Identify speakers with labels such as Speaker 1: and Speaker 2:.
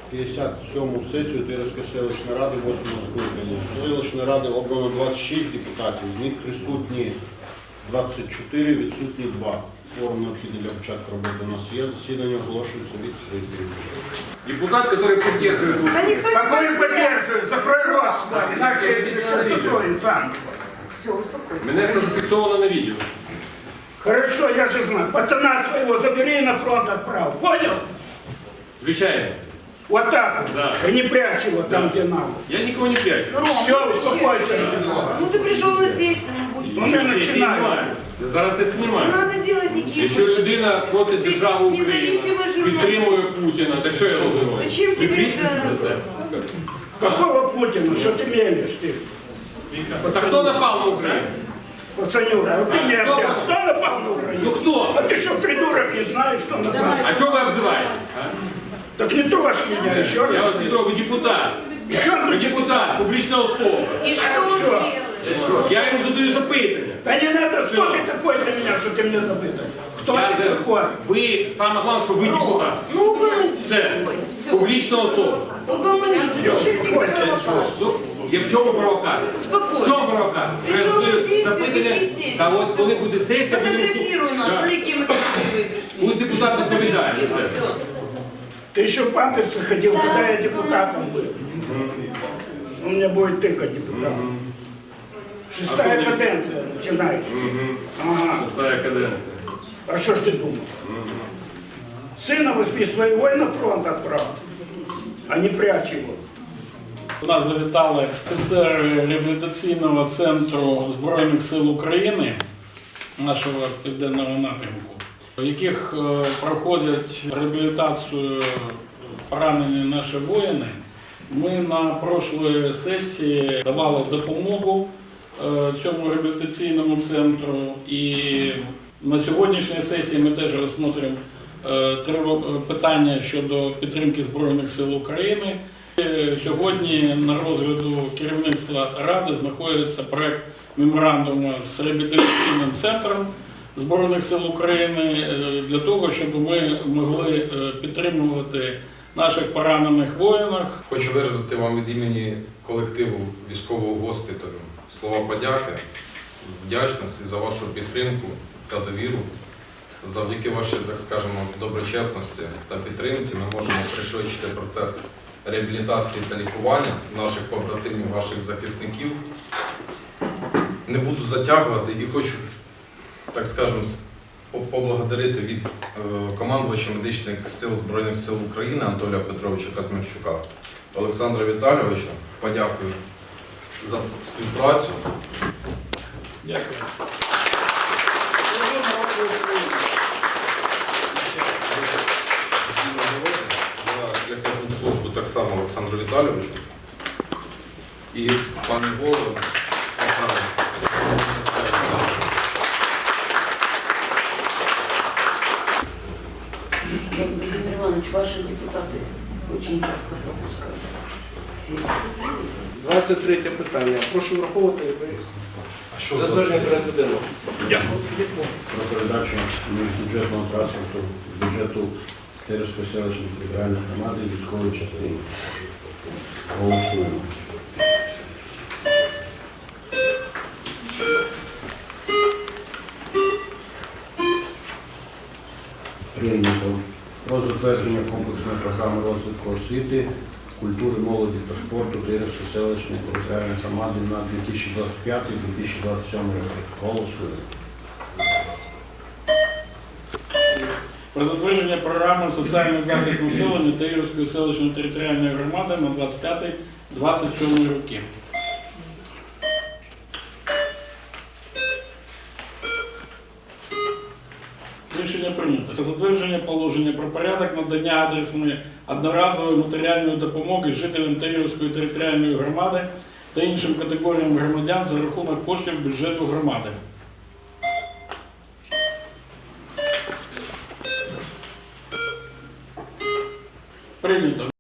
Speaker 1: 57-му сесію Тирської селищної ради 8-го скликання. Селищної ради обрано 26 депутатів, з них присутні 24, відсутні 2. Форум необхідний для початку роботи у нас є. Засідання оголошується відкритим.
Speaker 2: Депутат, который поддерживает.
Speaker 3: Какой поддерживает? Закрой рот с вами, иначе я что такое сам.
Speaker 4: Все, успокойся.
Speaker 2: Меня это зафиксовано на видео.
Speaker 3: Хорошо, я же знаю. Пацана своего забери и на фронт отправь. Понял?
Speaker 2: Включаем.
Speaker 3: Вот так вот.
Speaker 2: Да.
Speaker 3: И не прячь его там,
Speaker 2: Да.
Speaker 3: где надо.
Speaker 2: Я никого не прячу.
Speaker 3: Все, успокойся.
Speaker 4: Ну ты пришел на сессию, ну будь.
Speaker 3: Ну, не
Speaker 2: Я
Speaker 3: начинай.
Speaker 2: знімаю. Я зараз це
Speaker 4: Не
Speaker 2: знімаю.
Speaker 4: надо делать никаких.
Speaker 2: Якщо людина проти держави України,
Speaker 4: Независимий журналіст.
Speaker 2: підтримує Путіна, так що я роблю?
Speaker 4: Зачем тебе
Speaker 2: Бійтеся
Speaker 4: это?
Speaker 2: за це.
Speaker 3: Какого Путина? Что ты мелешь ты?
Speaker 2: Так хто напав на Україну?
Speaker 3: Пацанюра, вот ты мне
Speaker 2: кто?
Speaker 3: опять. Кто напал на
Speaker 2: Ну
Speaker 3: Украину?
Speaker 2: хто?
Speaker 3: А ты что, придурок, не знаешь, что напал?
Speaker 2: А чого ви обзиваєте? А?
Speaker 3: Так не трожь меня еще
Speaker 2: Я
Speaker 3: раз.
Speaker 2: вас не трогаю, ви депутат.
Speaker 3: И чем
Speaker 2: Ви
Speaker 3: ты
Speaker 2: депутат, публічна особа.
Speaker 4: И что он
Speaker 3: Всё.
Speaker 4: делает?
Speaker 2: Я йому задаю запитання.
Speaker 3: Да не надо, кто ты такой для меня, что ты мне запытаешь? Кто
Speaker 2: Я
Speaker 3: ты такой?
Speaker 2: Ви, саме головне, що ви депутат.
Speaker 4: Ну угомонись.
Speaker 2: Це публічна особа.
Speaker 4: Угомонись.
Speaker 3: Все, успокойся.
Speaker 2: Ну, я в чому провокація? В
Speaker 4: Спокойно.
Speaker 2: чому провокація? Що я
Speaker 4: Прийшов на
Speaker 2: задаю
Speaker 4: сесію,
Speaker 2: запитання,
Speaker 4: веди сесію.
Speaker 2: та от коли буде сесія, будемо...
Speaker 4: Фотографируй нас,
Speaker 2: Да.
Speaker 4: с какими красивые пришли.
Speaker 2: Пусть депутат відповідає за
Speaker 4: И
Speaker 2: це.
Speaker 4: все.
Speaker 3: Ты еще в памперсы ходил, когда я депутатом был. Он меня будет тыкать депутатом. Шестая каденция начинается. Ага.
Speaker 2: Шестая каденція.
Speaker 3: А что ж ты думал? Сына возьми своего и на фронт отправь, а не прячь его.
Speaker 5: До нас завітали офіцери реабілітаційного центру Збройних сил України, нашого південного напрямку, в яких проходять реабілітацію поранені наші воїни. Ми на прошлої сесії давали допомогу цьому реабілітаційному центру, і на сьогоднішній сесії ми теж розглядаємо питання щодо підтримки Збройних сил України. Сьогодні на розгляду керівництва Ради знаходиться проект меморандуму з реабілітаційним центром Збройних сил України для того, щоб ми могли підтримувати наших поранених воїнів.
Speaker 6: Хочу виразити вам від імені колективу військового госпіталю слова подяки, вдячності за вашу підтримку та довіру. Завдяки вашій, так скажемо, доброчесності та підтримці ми можемо пришвидшити процес реабілітації та лікування наших побратимів, ваших захисників. Не буду затягувати і хочу, так скажемо, поблагодарити від командувача медичних сил Збройних сил України Анатолія Петровича Казмірчука, Олександра Віталійовича. Подякую за співпрацю.
Speaker 5: Дякую.
Speaker 6: За якісну службу так само Олександру Віталійовичу і пані голову.
Speaker 4: Владимир Иванович, ваши депутаты очень часто пропускают сессию.
Speaker 7: 23 питання. Прошу враховувати затвердження президента.
Speaker 1: Про передачу бюджетного транспорту з бюджету Тирської селищної територіальної громади військової частини. Голосуємо. Прийнято. Про затвердження комплексної програми розвитку освіти, культури, молоді та спорту Тирської селищної територіальної громади на 2025-2027 роки. Голосуємо.
Speaker 5: Про затвердження програми соціального захисту населення Тирської селищної територіальної громади на 25-27 роки. Рішення прийнято. Про затвердження положення про порядок надання адресної одноразової матеріальної допомоги жителям Тирської територіальної громади та іншим категоріям громадян за рахунок коштів бюджету громади. Прийнято.